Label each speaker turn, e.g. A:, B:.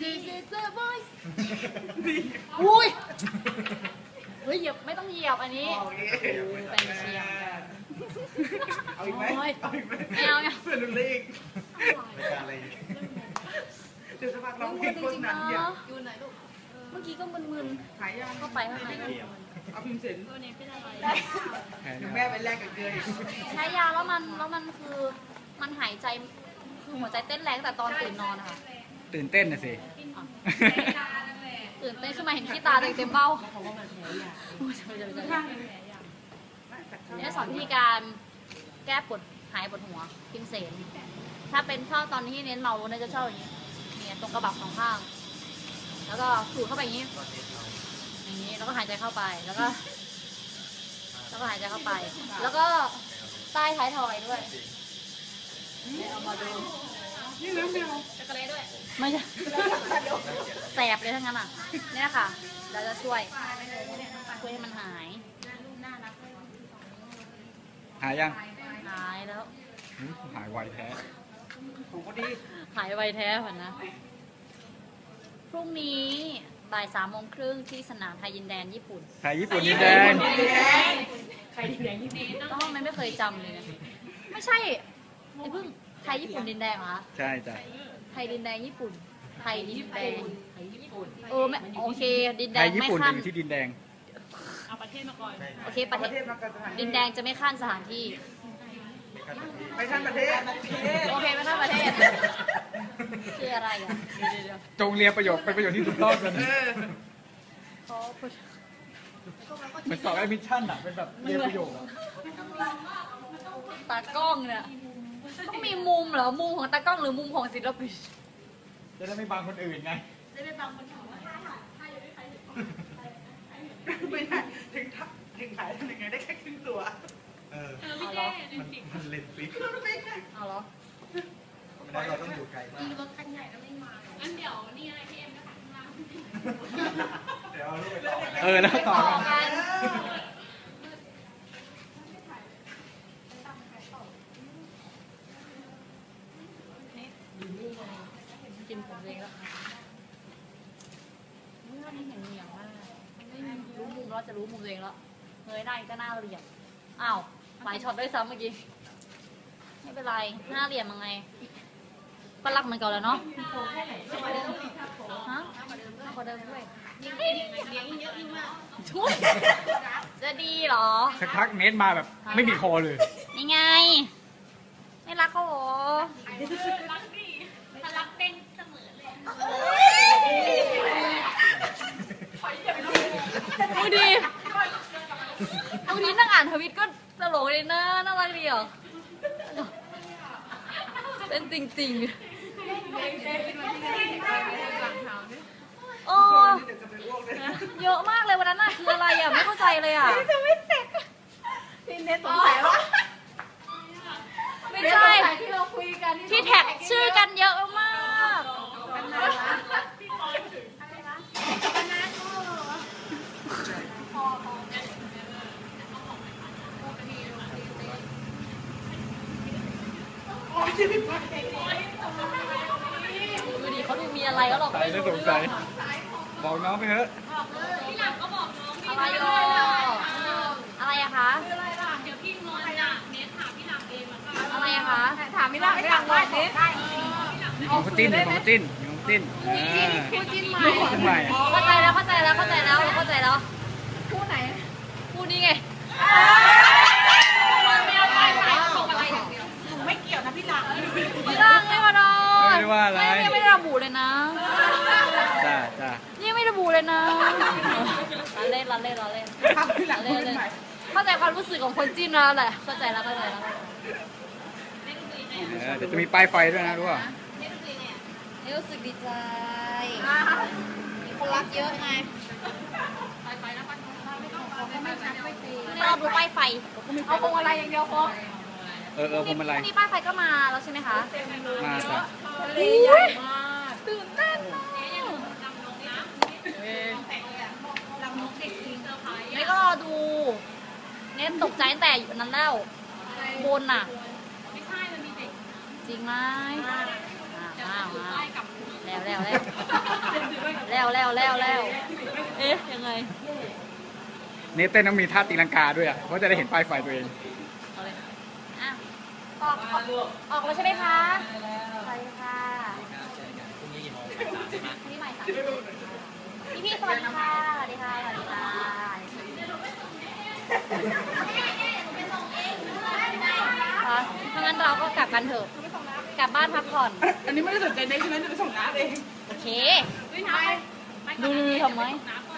A: This is the voice อุ้ยเฮ้ยเหยียบไม่ต้องเหยียบอันนี้แฟนเชียร์
B: เอาอีกไหมเอาอีกไหม
A: ไม่เอาเนี่ย
B: เพื่อนรุ่นเล็กไม่กล้าอะไรเดี๋ยวสักพักเราเพลงโฆษณาอย่าง
A: เมื่อกี้ก็มึน
B: ขายยา
A: ๆเข้าไปข้างใน
B: เอาพิมพ์เสร็จ
A: ตัวนี้เป็นอะไร
B: เดี๋ยวแม่ไปแลกกับเกลือ
A: ใช้ยาแล้วมันคือมันหายใจคือหัวใจเต้นแรงแต่ตอนตื่นนอนนะคะ
C: ตื่นเต้นนะสิ
A: ตื่นเต้นขึ้นมาเห็นขี้ตาเต็มเบ้าเนี่ยสอนวิธีการแก้ปวดหายปวดหัวพิมเสนถ้าเป็นชอบตอนที่เน้นเมาเนี่ยจะชอบอย่างนี้เนี่ยตรงกระบักสองข้างแล้วก็สูดเข้าไปอย่างนี้แล้วก็หายใจเข้าไปแล้วก็หายใจเข้าไป แล้วก็ใต้ท้ายทอยด้วยเอามาดู
B: นี่น้ำเดียว
A: จักรเล่ด้วยไม่ใช่แสบเลยทั้งนั้นอ่ะเนี่ยค่ะเราจะช่วยให้มันหาย
C: หายยัง
A: หายแล้ว
C: หายไวแท้
B: ของก็ดี
A: หายไวแท้ผ่านนะพรุ่งนี้บ่าย3:30ที่สนามไทยยินแดนญี่ปุ่น
C: ไทยญี่ปุ่นดินแดง
A: ไทยดินแดงญี่ปุ่นก็ไม่เคยจำเลยนะไม่ใช่ไอ้เพิ่งไทยญี่ปุ่นดินแดงเหรอ
C: ใช่จ้ะ
A: ไทยดินแดงญี่ปุ่นไทยดินแดงไม่โอเคดินแด
C: ไท
A: ง
C: ยญี่
A: ไม่
C: ปุ่น
A: ขั้น
C: อยู่ที่ดินแดง
A: โอเค
B: ประเทศมากันสถาน
A: ดินแดงจะไม่ขั้นสถานที่
B: ไปท่านประเทศ
A: โอเคไม่ขั้นประเทศชื่ออะไรอ่ะเดี๋ยว
C: จงเรียนประโยคเป็นประโยคที่ถูกต้องกัน
A: เขาพูด
C: เหมือนสอบแอดมิชชั่นอะเป็นแบบเรียนประโยคอะ
A: ตากล้องเนี่ยต้องมีมุมเหรอมุมของตากล้องหรือมุมของศิลปิน
C: จะได้ไม่บังคนอื่นไง
B: ไม่ได้ถึงขายทำยังไงได้แค่ครึ่งตัว
A: เอาเหรอ
B: มันเล่นฟิก
A: เอาเหรอ
B: เพราะเราต้องอยู่ไกลมาก
A: รถคันใหญ่ก็ไม่มางั้นเดี๋ยวนี่อะไรพี่เอ็มก็ขับมา
B: เดี๋ยวเอาลูกไปต่อ
C: แล้วต่อกัน
A: กินผมเองแล้วไม่เห็นเหนียวมากไม่รู้มุมแล้วจะรู้มุมตัวเองแล้วเงยหน้าก็หน้าเหลี่ยมอ้าวหลายช็อตด้วยซ้ำเมื่อกี้ไม่เป็นไรหน้าเหลี่ยมยังไงก็รักมันก่อนแล้วเนาะฮะกว่าเดิมด้วยช่วยจะดีเหรอ
C: สักพักเนทมาแบบไม่มีคอเลย
A: นี่ไงไม่รักเขาเหรอรักดิถ้ารักเต้นเสมอเลยดูดินั่งอ่านทวิตก็ตลกเลยนะน่ารักดีอ่ะเป็นจริงๆโอ้เยอะมากเลยวันนั้นน่ะคืออะไรอ่ะไม่เข้าใจเลยอ่ะพี่เน็ตสงสัยว่าไม่ใช่ที่เราคุยกันที่แท็กชื่อกันเยอะมากดูดิเขาดูมีอะไรก็หรอก
C: ใส่แล้วสงสัยบอกน้องไปเถอะ
A: พี่หลังก็บอกน้องอะไรอะไรอะคะเดี๋ยวพี่งอนจะเน็ตถามพี่หลังเองอะไรอะคะถามพี่หลังพี่หลังว่าเน็ต
C: ของจิ้นของจิ้น
A: คู่จิ้นใหม่
C: ใหม่
A: เข้าใจแล้วคู่ไหนคู่นี้ไงไม่เกี่ยวนะพี่หลังไม่มาดอ
C: ไม่ได้ว่าอะไร
A: ไม่ได้ระบุเลยนะ
C: จ้า
A: นี่ไม่ระบุเลยนะเล่นเข้าใจความรู้สึกของคนจิ้นแล้วแหละเข้าใจแล้ว
C: เดี๋ยวจะมีป้ายไฟด้วยนะรู้ป่ะ
A: รู้สึกดีใจมีคนรักเยอะไงเราดูป้ายไฟเอาพวงอะไรอย่างเดียวพอ
C: พวงมาลัย
A: พรุ่งนี้ป้ายไฟก็มาแล้วใช่ไหมคะ
C: มาจ้ะ
A: ตื่นเต้นนะไม่ก็รอดูเน้นตกใจแต่อยู่นั้นแล้วบนน่ะไม่ใช่มันมีเด็กจริงไหมอ้าวแล้วแล้วเอ๊ะยังไง
C: นี่เต้นต้องมีท่าตีลังกาด้วยอ่ะเพราะจะได้เห็นป้ายไฟตัวเอง
A: เอาเลยอ่ะออกแล้วใช่ไหมคะไปค่ะ
B: พรุ่งนี้กี่โมงบ่ายสามใช่ไหม
A: พี่ใหม่สามพี่สวัสดีค่ะสวัสดีค่ะสวัสดีค่ะถ้างั้นเราก็กลับกันเถอะกลับบ้านพักผ่อน
D: อันนี้ไม่ได้สนใจเด็กใช่ไหมจะไปส่งน้ำเอง
A: โอเคดูทำไหม